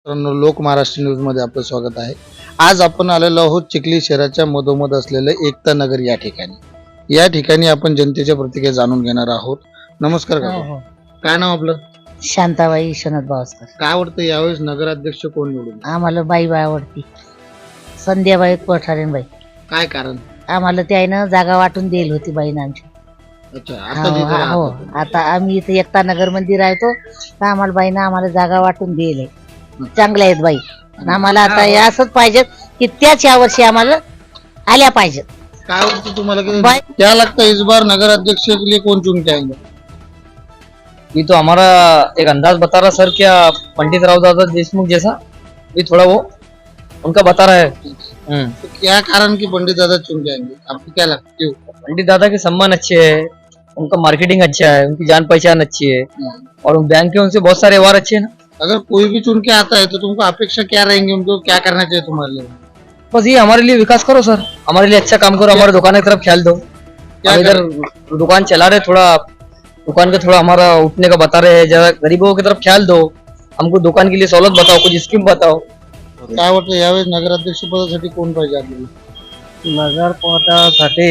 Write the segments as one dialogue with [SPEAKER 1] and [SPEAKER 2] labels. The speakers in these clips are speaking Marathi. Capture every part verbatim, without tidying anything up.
[SPEAKER 1] मित्रांनो, लोक महाराष्ट्र न्यूज मध्ये आपलं स्वागत आहे. आज आपण आलेलो आहोत चिखली शहराच्या मधोमध असलेलं एकता नगर या ठिकाणी. या ठिकाणी आपण जनतेच्या प्रतिक्रिया जाणून घेणार आहोत. नमस्कार
[SPEAKER 2] हो,
[SPEAKER 1] काका,
[SPEAKER 2] हो.
[SPEAKER 1] काय नाव आपलं?
[SPEAKER 2] शांताबाई विश्वनाथ बावस्कर.
[SPEAKER 1] काय आवडतं यावेळेस नगराध्यक्ष कोण निवडून?
[SPEAKER 2] आम्हाला बाई बाई आवडती, संध्याबाई कोठारेन बाई.
[SPEAKER 1] काय कारण?
[SPEAKER 2] आम्हाला त्यानं जागा वाटून दिली होती बाईनं आमची.
[SPEAKER 1] अच्छा,
[SPEAKER 2] हो,
[SPEAKER 1] आता जिथे
[SPEAKER 2] हा, हो.
[SPEAKER 1] राहता
[SPEAKER 2] आता आम्ही इथे एकता नगर मध्ये राहतो, तर आम्हाला बाईनं आम्हाला जागा वाटून दिली. चांगल्या आहेत बाई. आणि आम्हाला आता हे असंच पाहिजे की त्याच या वर्षी आम्हाला आल्या पाहिजेत.
[SPEAKER 1] काय आवडतं तुम्हाला की
[SPEAKER 2] बाई-
[SPEAKER 1] क्या लगता है इस बार नगराध्यक्ष के लिए कौन चुन के आएंगे?
[SPEAKER 3] ये तो हमारा एक अंदाज बता रहा सर, क्या पंडित राव दादा देशमुख जैसा ये थोड़ा वो उनका बता रहा है। हम्म
[SPEAKER 1] तो क्या कारण की पंडित दादा चुन के आएंगे? आपको क्या लगता है? क्यों?
[SPEAKER 3] पंडित दादा के सम्मान अच्छे है, उनका मार्केटिंग अच्छा है, उनकी जान पहचान अच्छी है और बैंक के उनसे बहुत सारे व्यवहार अच्छे हैं ना।
[SPEAKER 1] अगर कोई भी चुन के आता है तो तुमको अपेक्षा क्या रहेंगे, उनको क्या करना चाहिए तुम्हारे लिए?
[SPEAKER 3] बस ये हमारे लिए विकास करो सर, हमारे लिए अच्छा काम करो, हमारे दुकान की तरफ ख्याल दो। हम इधर दुकान चला रहे, थोड़ा दुकान का थोड़ा हमारा उठने का बता रहे हैं, जरा गरीबों की तरफ ख्याल दो, हमको दुकान के लिए सहूलत बताओ, कुछ स्कीम बताओ।
[SPEAKER 1] काय वाटतं यावेळेस नगराध्यक्ष पदासाठी कोण पाहिजे आपल्याला?
[SPEAKER 3] नगर पोटासाठी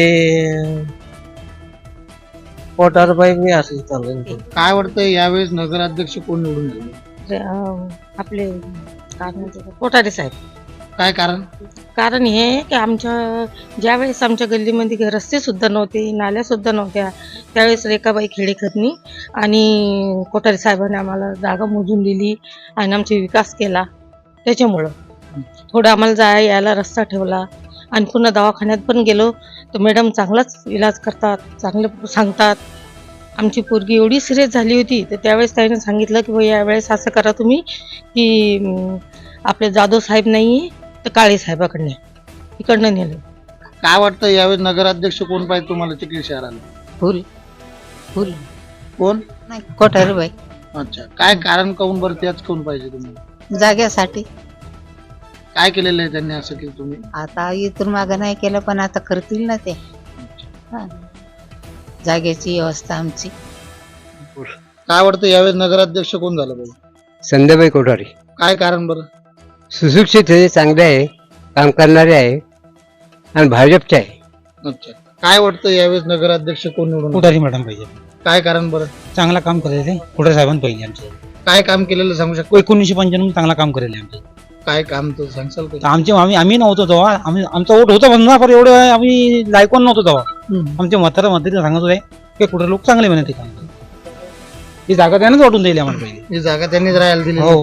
[SPEAKER 3] पोटारबाई मी असं चालू.
[SPEAKER 1] काय वाटतं यावेळेस नगराध्यक्ष कोण निवडून येईल?
[SPEAKER 4] आपले काय म्हणते कोठारे साहेब.
[SPEAKER 1] काय कारण?
[SPEAKER 4] कारण हे आहे की आमच्या ज्यावेळेस आमच्या गल्लीमध्ये रस्ते सुद्धा नव्हते, नाल्या सुद्धा नव्हत्या, त्यावेळेस रेखाबाई खेडेकरनी आणि कोठारे साहेबांनी आम्हाला जागा मोजून दिली आणि आमचा विकास केला. त्याच्यामुळं थोडं आम्हाला जाया यायला रस्ता ठेवला. आणि पुन्हा दवाखान्यात पण गेलो तर मॅडम चांगलाच इलाज करतात, चांगलं सांगतात. आमची पोरगी एवढी सिरियस झाली होती तर त्यावेळेस त्याने सांगितलं की बाई यावेळेस असं करा तुम्ही की अं, आपले जाधव साहेब नाही तर काळे साहेबाकडनं इकडनं नेलं.
[SPEAKER 1] काय वाटतं यावेळेस नगराध्यक्ष कोण पाहिजे तुम्हाला चिखली शहराला?
[SPEAKER 2] फुल फुल
[SPEAKER 1] कोण?
[SPEAKER 2] कोठारे बाई.
[SPEAKER 1] अच्छा, काय कारण काऊन बरं त्याच कोण पाहिजे तुम्हाला?
[SPEAKER 2] जाग्यासाठी
[SPEAKER 1] काय केलेलं आहे त्यांनी असं की तुम्ही?
[SPEAKER 2] आता इथून मागं नाही केलं, पण आता करतील ना ते. हा. जागेची व्यवस्था आमची.
[SPEAKER 1] काय वाटतं यावेळेस नगराध्यक्ष कोण झालं पाहिजे?
[SPEAKER 5] संध्याबाई कोठारी.
[SPEAKER 1] काय कारण बरं?
[SPEAKER 5] सुशिक्षित आहे, चांगले आहे, काम करणारे आहे आणि भाजपचे आहे.
[SPEAKER 1] अच्छा, काय वाटतं यावेळेस नगराध्यक्ष कोण निवडून येईल?
[SPEAKER 6] कोठारी मॅडम पाहिजे,
[SPEAKER 1] काय कारण बरं?
[SPEAKER 6] चांगला काम करेल ते. कोठारी साहेबांना पाहिजे आमचे.
[SPEAKER 1] काय काम केलेलं सांगू शकतो?
[SPEAKER 6] एकोणीसशे पंच्याण्णव चांगला काम करेल आमचे.
[SPEAKER 1] काय काम तर सांगसाल
[SPEAKER 6] तर
[SPEAKER 1] का?
[SPEAKER 6] आमचे आम्ही आम्ही नव्हतो तेव्हा, आम्ही आमचा वोट होता पण पण एवढं आम्ही लायकोन नव्हतो तेव्हा. आमचे म्हातारा म्हातारी सांगत होते की कुठे लोक चांगले म्हणते काम. ही जागा त्यानेच वाटून दिली आम्हाला पहिले.
[SPEAKER 1] ही जागा त्यांनीच राहायला दिली.
[SPEAKER 6] हो.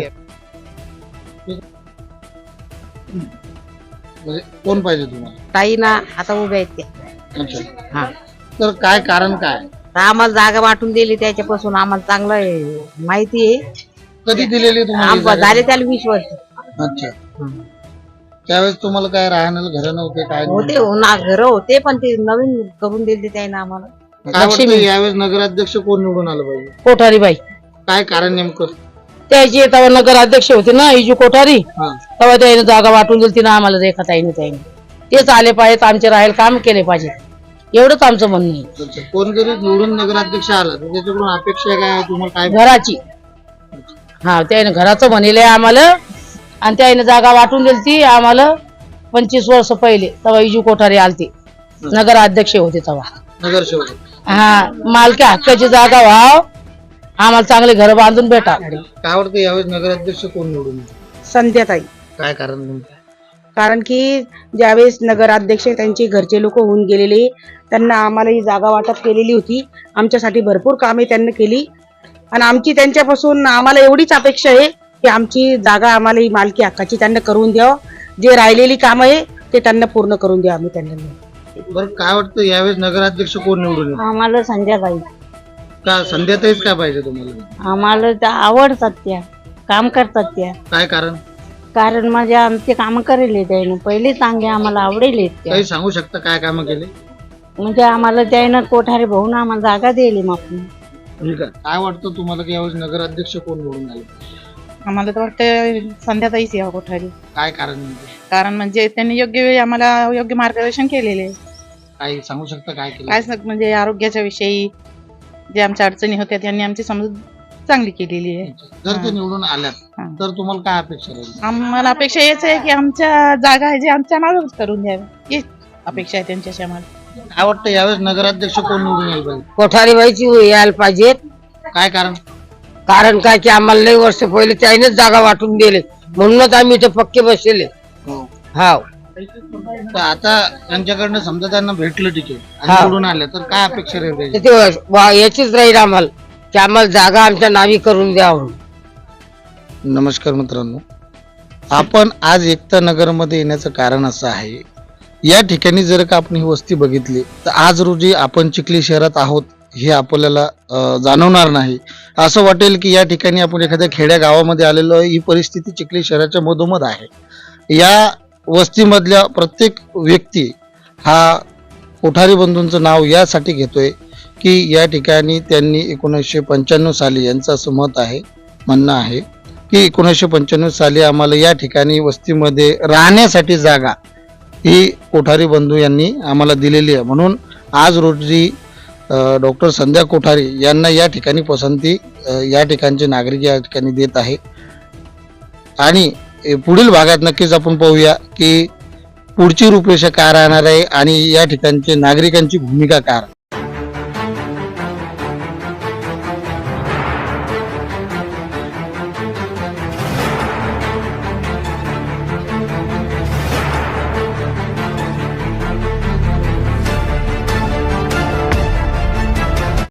[SPEAKER 1] म्हणजे कोण पाहिजे तुम्हाला?
[SPEAKER 2] ताई ना आता उभ्या आहेत त्या.
[SPEAKER 1] अच्छा,
[SPEAKER 2] हा.
[SPEAKER 1] तर काय कारण काय?
[SPEAKER 2] तर आम्हाला जागा वाटून दिली, त्याच्यापासून आम्हाला चांगलं आहे, माहिती आहे.
[SPEAKER 1] कधी दिलेली तुम्हाला ही
[SPEAKER 2] आम्हाला
[SPEAKER 1] जागा?
[SPEAKER 2] झाले त्याला वीस वर्ष
[SPEAKER 1] अच्छा, त्यावेळेस तुम्हाला काय राहण्याला घर नव्हते काय
[SPEAKER 2] होते,
[SPEAKER 1] नव्हते?
[SPEAKER 2] ना घर होते, पण ते नवीन करून दिले त्याने आम्हाला.
[SPEAKER 1] काय वाटतं यावेळेस नगराध्यक्ष कोण निवडून आलं पाहिजे?
[SPEAKER 4] कोठारी बाई
[SPEAKER 1] काय कारण नेमकं?
[SPEAKER 4] त्याची तेव्हा नगर अध्यक्ष होते ना इजू कोठारी,
[SPEAKER 1] हा.
[SPEAKER 4] तेव्हा त्याने जागा वाटून दिली ना आम्हाला रेखाताईने. त्याने तेच आले पाहिजेत, आमचे राहील काम केले पाहिजे, एवढंच आमचं म्हणणं आहे.
[SPEAKER 1] अच्छा, कोण जरी निवडून नगराध्यक्ष आला तर त्याच्याकडून अपेक्षा काय आहे तुम्हाला? काय
[SPEAKER 4] घराची, हा त्याने घराचं म्हणले आम्हाला आणि त्याने जागा वाटून दिली ती आम्हाला पंचवीस वर्ष पहिले. तेव्हा इजू कोठारी आलते, नगर अध्यक्ष होते तेव्हा.
[SPEAKER 1] नगरसेवक?
[SPEAKER 4] हा, मालकी हक्काची जागा व्हाव, आम्हाला चांगले घर बांधून भेटा.
[SPEAKER 1] काय वाटतं यावेळेस नगराध्यक्ष कोण निवडून येईल?
[SPEAKER 7] संध्याताई.
[SPEAKER 1] काय कारण नेमकं?
[SPEAKER 7] कारण की ज्यावेळेस नगराध्यक्ष त्यांचे घरचे लोक होऊन गेलेले, त्यांना आम्हाला ही जागा वाटप केलेली होती. आमच्यासाठी भरपूर कामे त्यांनी केली आणि आमची त्यांच्यापासून आम्हाला एवढीच अपेक्षा आहे की आमची जागा आम्हाला ही मालकी हक्काची त्यांना करून द्यावं. जे राहिलेली कामं आहे ते त्यांना पूर्ण करून द्या आम्ही त्यांना.
[SPEAKER 1] बरं, काय वाटतं यावेळेस नगराध्यक्ष कोण निवडून येईल?
[SPEAKER 2] आम्हाला संध्याबाई.
[SPEAKER 1] का संध्याताईच काय पाहिजे तुम्हाला?
[SPEAKER 2] आम्हाला त्या आवडतात, त्या काम करतात त्या.
[SPEAKER 1] काय कारण?
[SPEAKER 2] कारण माझे आमचे काम करेल त्याने पहिले, चांगले आम्हाला आवडेल त्या.
[SPEAKER 1] काही सांगू शकता काय कामं केले?
[SPEAKER 2] म्हणजे आम्हाला त्यानं कोठारे भाऊन आम्हाला जागा दिली मग.
[SPEAKER 1] ठीक आहे. काय वाटतं तुम्हाला की यावेळेस नगराध्यक्ष कोण निवडून आले?
[SPEAKER 7] आम्हाला तर वाटतं संध्याताईच यावं कोठारी.
[SPEAKER 1] काय कारण नेमकं?
[SPEAKER 7] कारण म्हणजे त्यांनी योग्य वेळी आम्हाला योग्य मार्गदर्शन केलेले आहे.
[SPEAKER 1] काही सांगू शकता काय केलं?
[SPEAKER 7] काय सग- म्हणजे आरोग्याच्या विषयी जे आमच्या अडचणी होत्या त्यांनी आमची समजूत
[SPEAKER 8] चांगली केलेली आहे.
[SPEAKER 1] जर ते
[SPEAKER 8] हा.
[SPEAKER 1] निवडून आल्यात
[SPEAKER 8] हा.
[SPEAKER 1] तर तुम्हाला काय अपेक्षा राहील?
[SPEAKER 8] आम्हाला अपेक्षा हेच आहे की आमच्या जागा आहे जे आमच्या नावावरच करून द्याव्या, हीच अपेक्षा आहे त्यांच्याशी आम्हाला.
[SPEAKER 1] काय वाटतं यावेळेस नगराध्यक्ष कोण निवडून येईल पाहिजे?
[SPEAKER 2] कोठारी बाईची यायला पाहिजेत.
[SPEAKER 1] काय कारण?
[SPEAKER 2] कारण काय की आम्हाला लई वर्ष पहिले त्यानेच जागा वाटून दिले, म्हणूनच आम्ही इथे पक्के बसलेले. हा
[SPEAKER 1] तर आता त्यांच्याकडनं समजा त्यांना भेटलं तिकीट आणि
[SPEAKER 2] हा.
[SPEAKER 1] निवडून आलं तर काय अपेक्षा राहील त्याची?
[SPEAKER 2] ते वा- याचीच राहील आम्हाला की आम्हाला जागा आमच्या नावी करून द्यावं.
[SPEAKER 1] नमस्कार मित्रांनो, आपण आज एकता नगरमध्ये येण्याचं कारण असं आहे, या ठिकाणी जर का आपण ही वस्ती बघितली तर आज रोजी आपण चिखली शहरात आहोत हे आपल्याला अं, जाणवणार नाही. असं वाटेल की या ठिकाणी आपण एखाद्या खेड्या गावामध्ये आलेलो आहे. ही परिस्थिती चिखली शहराच्या मधोमध आहे. या वस्तीमधल्या प्रत्येक व्यक्ती हा कोठारी बंधूंचं नाव यासाठी घेतोय की या ठिकाणी त्यांनी एकोणीसशे पंच्याण्णव साली यांचं असं मत आहे, म्हणणं आहे की एकोणीसशे पंच्याण्णव साली आम्हाला या ठिकाणी वस्तीमध्ये राहण्यासाठी जागा ही कोठारी बंधू यांनी आम्हाला दिलेली आहे. म्हणून आज रोजी डॉक्टर संध्या कोठारी यांना या ठिकाणी पसंती अ, या ठिकाणचे नागरिक या ठिकाणी देत आहे. आणि ए, पुढील भागात नक्कीच आपण पाहूया की पुढची रूपरेषा काय राहणार आहे आणि या ठिकाणचे नागरिकांची भूमिका काय.